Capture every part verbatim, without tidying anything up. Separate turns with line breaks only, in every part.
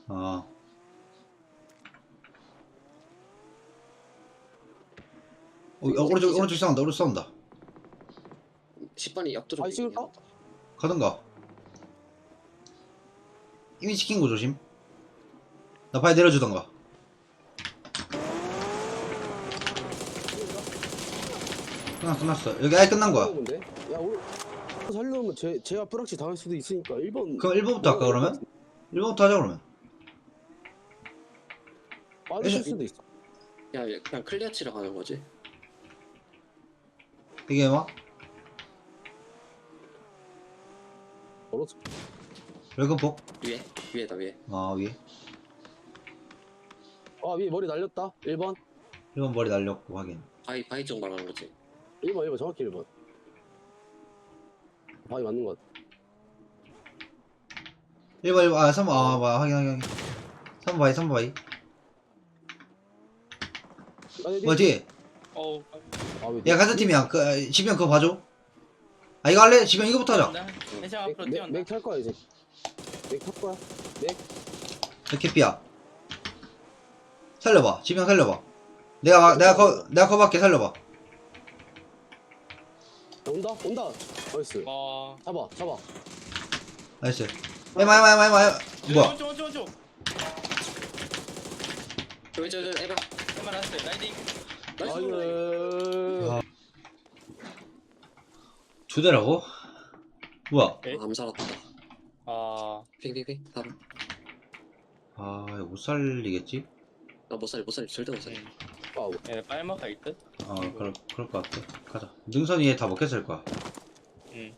아. 어, 어, 오른쪽 오른쪽 싸운다. 오른쪽 싸운다.
십 번이 옆도로.
아, 찍을까?
가던가. 이미 시킨 거 조심. 나 바위 내려주던가. 끝났어 끝났어. 여기 아예 끝난 거야.
근데? 야, 우리 살려면 제, 제가 뿌락치 당할 수도 있으니까 일 번
그럼 일 번부터 할까 그러면? 일 번부터 하자 그러면.
빠질 수도 있어.
야, 얘 그냥 클리어 치러 가는 거지.
이게 뭐?
멀었어.
웰컴 폭.
위에, 위에다 위에.
아 위에.
아, 위에 머리 날렸다. 일 번.
일 번 머리 날렸고 확인.
바위 바위 쪽 말하는 거지.
일 번, 일 번. 정확히 일 번. 바위 맞는 것 같아.
일 번 일 번 아 삼 번 아 뭐야 확인 확인 확인. 삼 번 바위 삼 번 바위.
아니,
뭐지?
어우.
아, 왜?
야 같은 팀이야. 그 아, 지병 그거 봐줘. 아 이거 할래? 지병 이거부터 하자.
해상 앞으로
맥,
뛰어온다.
맥 탈 거야, 이제. 맥 탈 거야. 맥.
이렇게 삐야. 살려봐. 지병 살려봐. 내가 내가 거 내가 거밖에 살려봐.
온다? 온다. 나이스.
와.
잡아, 잡아.
나이스. 에마 에마 에마 에마. 뭐야?
원쪽 원쪽 원쪽.
저기 저기 저기 에바.
얼마 났어요? 라이딩.
나이스.
아유.
아. 두 대라고? 뭐야?
에?
아, 암 살았다.
아.
핑핑핑. 다음.
아 이거 못 살리겠지?
나못 살려 못 살려 절대 못 살려.
와우.
얘 빨먹 갈 듯?
어 그럴 그럴 것 같아. 가자. 능선이 얘 다 먹혔을 거야.
응.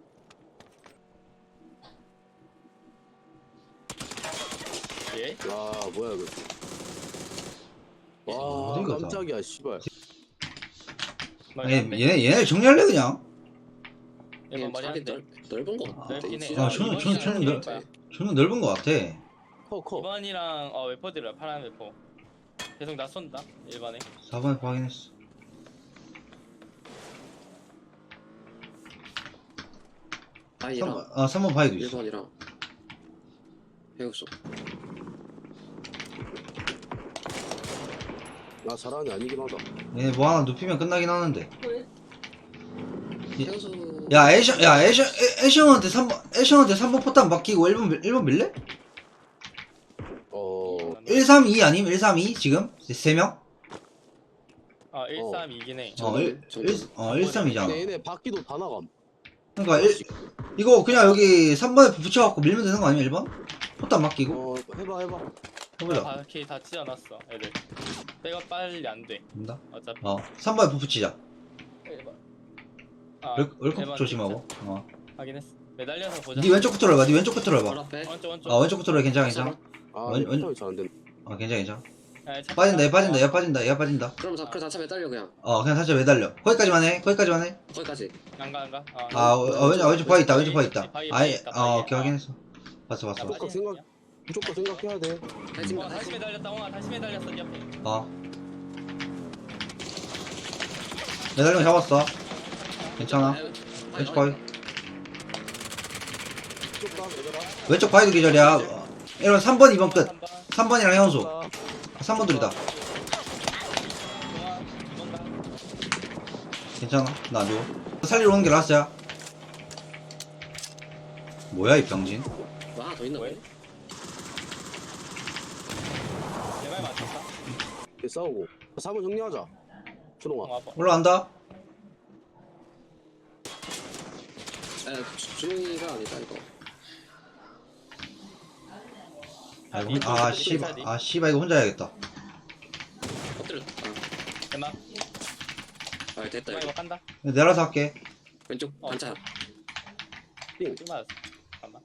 예?
야, 뭐야, 이거. 와,
어디 가자.
깜짝이야, 씨발.
아니 얘네 얘네 정리할래 그냥.
얘만 말이 안
자기
돼.
넓 넓은 거. 같아.
넓긴 해.
진짜.
아 저는 저는 저는 넓
거야.
저는 넓은 것 같아.
커, 커.
이번이랑 어 웨퍼들이야 파란 웨퍼. 계속 나 쏜다. 일반에.
사 번에 확인했어.
바위랑
삼 번 아 삼 번 바위도 있어.
일 번이랑 해우소.
나 잘하는 애 아니긴 하다.
얘네 뭐 하나 눕히면 끝나긴 하는데.
해우소.
야 애션 야 애션 애- 애션한테 삼 번 애션한테 삼 번 포탄 맡기고 일 번 일 번 밀래?
어,
일 삼 이 아님? 일 삼 이 지금? 세 명?
아 일 삼 이긴 해.
어, 일, 일, 어, 일 삼 이잖아.
근데 얘네 바퀴도 다 나감.
그러니까 일, 이거 그냥 여기 삼 번에 붙여갖고 밀면 되는 거 아니야 일 번? 포탄 맡기고?
어, 해봐, 해봐.
해보자.
바퀴 다 찢어놨어 애들. 백업 빨리 안 돼.
된다.
어차피.
어, 삼 번에 붙이자.
일반. 아,
웰- 웰컴
일반
조심하고.
진짜.
어.
확인했어. 매달려서 보자.
니 왼쪽 붙으러 해봐. 니 왼쪽 붙으러 해봐.
바로 앞에.
원쪽 원쪽.
아, 왼쪽 붙으러 해. 괜찮아, 괜찮아.
아,
원- 원-
원, 잘안 된다.
어, 괜찮아, 괜찮아.
야, 차
빠진다, 얘
타자.
빠진다, 얘 빠진다, 얘 빠진다.
그럼 다 그럼 다 매달려 그냥.
어, 그냥 살짝 매달려. 거기까지만 해. 거기까지만 해.
거기까지.
안가 안가. 아,
아, 어, 어, 왼쪽, 왼쪽 바위 있다, 왼쪽 바위 있다.
바위, 바위
아예,
있다,
어,
바위.
오케이,
아.
확인했어. 봤어, 봤어.
야,
무조건 생각, 무조건 생각해야 돼.
다시
와,
가.
다시 매달렸다. 와, 다시 매달렸어. 네 옆에.
어. 매달리면 잡았어. 괜찮아. 왼쪽 바위.
쭉 가, 얘들아.
왼쪽 바위도 기절이야. 어, 이러면 삼 번, 이 번 끝.
한 번.
삼 번이랑 현수.
가.
삼 번 둘이다.
동아, 이번 가.
괜찮아. 나 안 죽어. 살리러 오는 게 라스트야. 뭐야, 이 병진?
뭐 하나 더 있나
왜?
보네.
내말 맞췄다.
얘 싸우고. 삼 번 정리하자. 준홍아.
동아 아빠.
올라간다?
에 주영이가 아니다 이거.
아, 이거 혼- 아, 씨발. 아, 씨발, 이거 혼자 해야겠다.
엎드렸다.
대박.
아 됐다
동아
이거.
이거 간다.
내려서 할게.
왼쪽
어.
반차.
띵.
쭉 맞았어. 잠깐만.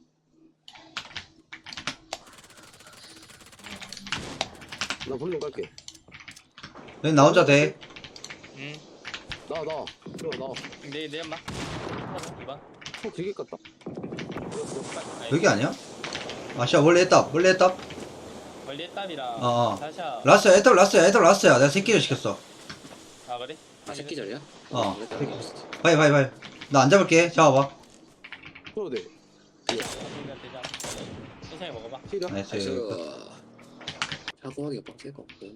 나 불륜 갈게.
여기 나 혼자 돼.
응.
나, 나. 준홍아, 나.
내, 내 엄마. 이번.
어, 되게 깠다.
여기 아니야? 아, 씨발, 원래 했다. 원래 했다.
원리 했답이랑.
어, 어.
다시야.
라스트야, 애들 라스트야, 애들 라스트야. 내가 새끼를 시켰어.
아 그래?
아 새끼절이야?
어.
그랬다.
바이, 바이, 바이. 나 안 잡을게. 잡아봐.
그래도 돼.
되지 않아. 천천히 먹어봐.
필이야.
나이스.
나이스. 사고하기가 빡셀 것 같고.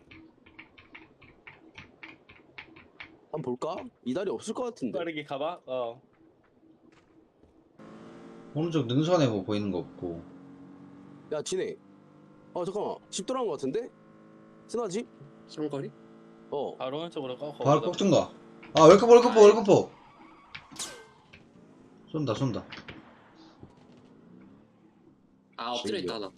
한번 볼까? 이달이 없을 것 같은데.
빠르게 가봐. 어.
오른쪽 능선에 뭐 보이는 거 없고.
야 진해. 어 잠깐만. 집 돌아온 것 같은데? 쓰나지?
상거리?
어.
바로 오른쪽으로 꺾어.
바로 꼭준가. 아 월급포 월급포 월급포. 쏜다 쏜다.
아 엎드려 있다 하나.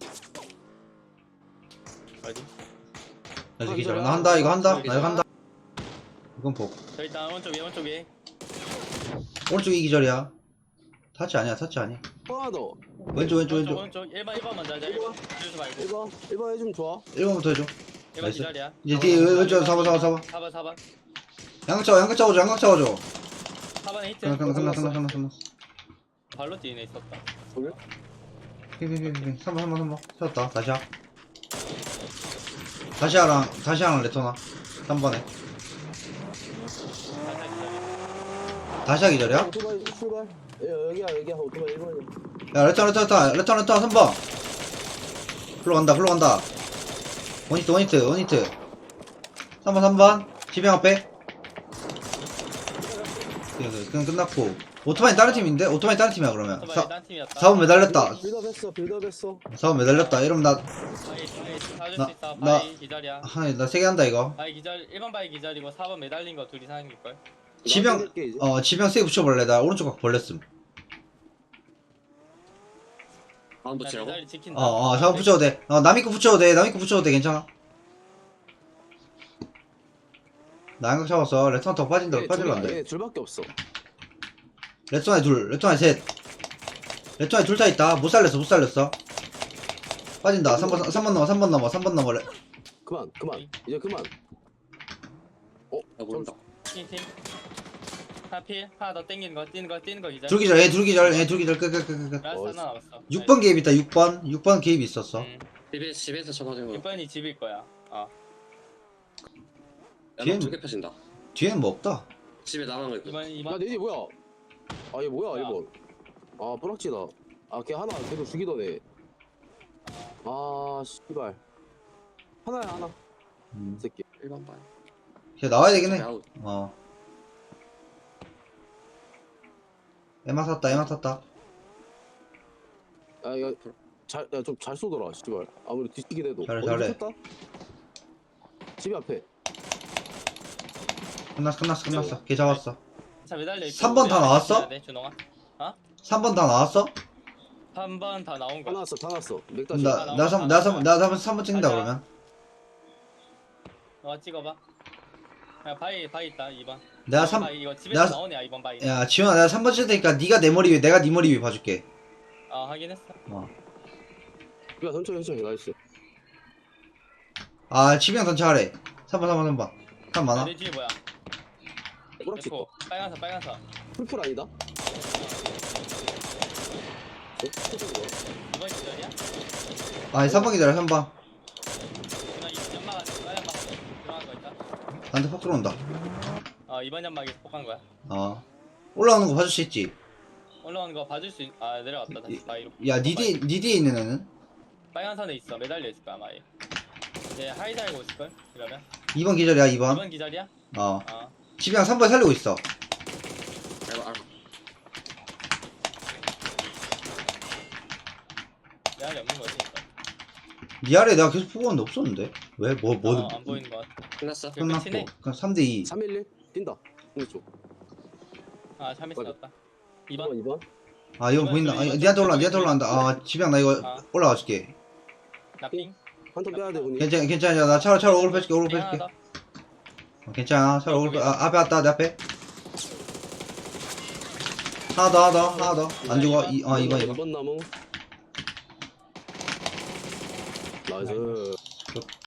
어디?
나
아,
기절.
기절이야.
나 한다 이거 한다.
기절.
나 이거 한다. 이건 폭.
저 일단 오른쪽 위에 오른쪽 위에.
오른쪽 이 기절이야. 타치 아니야 타치 아니야.
하나 더.
왼쪽 왼쪽 왼쪽.
오른쪽 일 번 일 번 먼저 하자. 일 번. 주지 말고.
일 번. 일 번 해주면 좋아.
일 번부터 해줘.
일 번
나이스.
기다려.
이제 뒤에 왼쪽 사 번 사 번 사 번.
사 번 사 번.
양각 잡아 양각 잡아줘 양각 잡아줘.
사 번에 히트.
끝났 끝났 끝났 끝났 끝났 끝났.
발로 뛰네 있었다.
돌려?
피피피피 삼 번 삼 번 삼 번 찾았다. 다시야. 다시야랑 다시야랑 레토나 삼 번에.
살짝 기다려.
다시야 기절이야?
오토바이 출발. 야, 여기야 여기야 오토바이 일 번이야.
야 레토나 레토나 레토나 레토나 삼 번. 흘러간다 흘러간다. 원히트 원히트 원히트. 삼 번 삼 번 지병 앞에. 그냥 끝났고. 오토바이 다른 팀인데? 오토바이 다른 팀이야 그러면.
오토바이
사,
딴 팀이었다.
사 번 매달렸다.
빌드업 했어 빌드업 했어.
사 번 매달렸다. 이러면 나
바이 바이 사줄
나-
수 있어.
나-
바이 기다려.
하, 나 세 개 한다 이거.
바이 기절 일 번 바이 기절이고 사 번 매달린 거 둘이 사는 걸.
지병
나중에 이제.
어 지병 세게 붙여볼래. 나 오른쪽 각 벌렸음.
다음 붙이라고?
기다리 지킨다.
어어 사 번 붙여도 돼. 어 남이 거 붙여도 돼. 남이 거 붙여도 돼. 괜찮아. 나 양각 잡았어. 레토나 더 빠진다.
얘
빠지면
둘이야,
안 돼.
얘 둘밖에 없어.
레토나에 둘. 레토나에 셋. 레토나에 둘 다 있다. 못 살렸어. 못 살렸어. 빠진다. 삼 번 삼 번 넘어. 삼 번 넘어. 삼 번 넘어. 레-
그만 그만 이제 그만.
나 모른다.
팀 팀. 하필 하나 더 땡기는 거 뛰는 거 뛰는 거 기절.
둘 기절. 얘 둘 기절. 얘 둘 기절. 끝끝끝끝.
라스트
어,
하나 남았어.
육 번 개입 있다. 육 번. 육 번 개입 있었어.
음.
집에 집에서 쳐맞은 거.
육 번이 집일 거야. 어.
뒤엔-
야너 두개 펴진다.
뒤에는 뭐 없다.
집에 남은 거 있고.
이번
야
이번
내디 뭐야? 아 얘 뭐야
뭐야?
일 번. 아 뿌락지다. 아 걔 하나 계속 죽이더네. 아 씨발. 하나야 하나.
음.
이 새끼.
일 번 반.
걔 나와야 되긴 해.
아웃.
어. 에마 샀다. 에마 샀다.
아 이거 잘좀 잘 쏘더라 씨발. 아무리 뒤치긴 해도.
잘해,
어디
잘해.
쳤다? 집 앞에.
끝났어. 끝났어. 끝났어. 걔 잡았어.
자 매달려 있고.
삼 번 다 나왔어?
네 준홍아.
삼 번 다 나왔어?
삼 번 다 나온
다
거야.
나왔어 다 나왔어. 맥다시.
나, 나 삼, 나 삼, 나 삼, 삼 번 찍는다,
가자.
그러면.
어 찍어봐. 야 바이 바이 있다 이 번.
내가
이번
삼,
바이, 이거 집에서
내가-
나오네 이 번 바이.
야, 지훈아, 내가 삼 번 찍을 테니까 네가 내 머리 위에, 내가 네 머리 위에 봐줄게.
아 확인했어.
어.
야 천천히 천천히 나이스.
아, 지병 전차하래. 삼 번, 삼 번, 삼 번. 삼 많아?
내 뒤에 뭐야?
뿌락지.
F 빨간색 빨간색.
풀풀 아니다. 어? 풀풀이야.
이번 기절이야?
아니, 삼 번 기다려, 삼 번.
누나 이 연막 빨간 연막 들어간 거 있다.
나한테 폭 들어온다.
어 이번 연막에 폭한 거야.
어. 올라오는 거 봐줄 수 있지?
올라오는 거 봐줄 수 있... 아 내려갔다 다시 바위로.
야, 니 뒤에, 니 뒤에 있는 애는?
빨간 선에 있어 매달려 있을 거야 마이. 이제 하이 달고 있을 걸 이러면.
이 번 기절이야, 이 번.
이번 기절이야?
어.
어.
지병 삼 번 살리고 있어.
알바 알바.
내알이 없는 거지. 이거.
니 아래 내가 계속 보고 왔는데 없었는데? 왜? 뭐, 뭐,
어, 안 보이는 거 같아.
끝났어.
그
끝났고.
끝이네.
그냥 삼 대 이.
삼 일 일 뛴다. 오른쪽.
아 참이
맞아.
있었다.
이
이번
번 이 번.
아, 이건
이번
보인다.
저,
아,
이번
니한테
저,
올라,
이번
니한테
저,
올라간다. 아, 지병 나 이거
아.
올라가 줄게.
나핑.
한 턴 빼야 돼 분이.
괜찮아, 괜찮아. 나 차로, 차로 오글 뺄게, 오글
핑 하나
뺄게.
더.
어, 괜찮아. 차로 오글 뺄, 아, 앞에 왔다, 내 앞에. 하나 더, 하나 더, 하나 더. 안 죽어. 이, 어, 이번, 이번.
이번 나무. 나이스.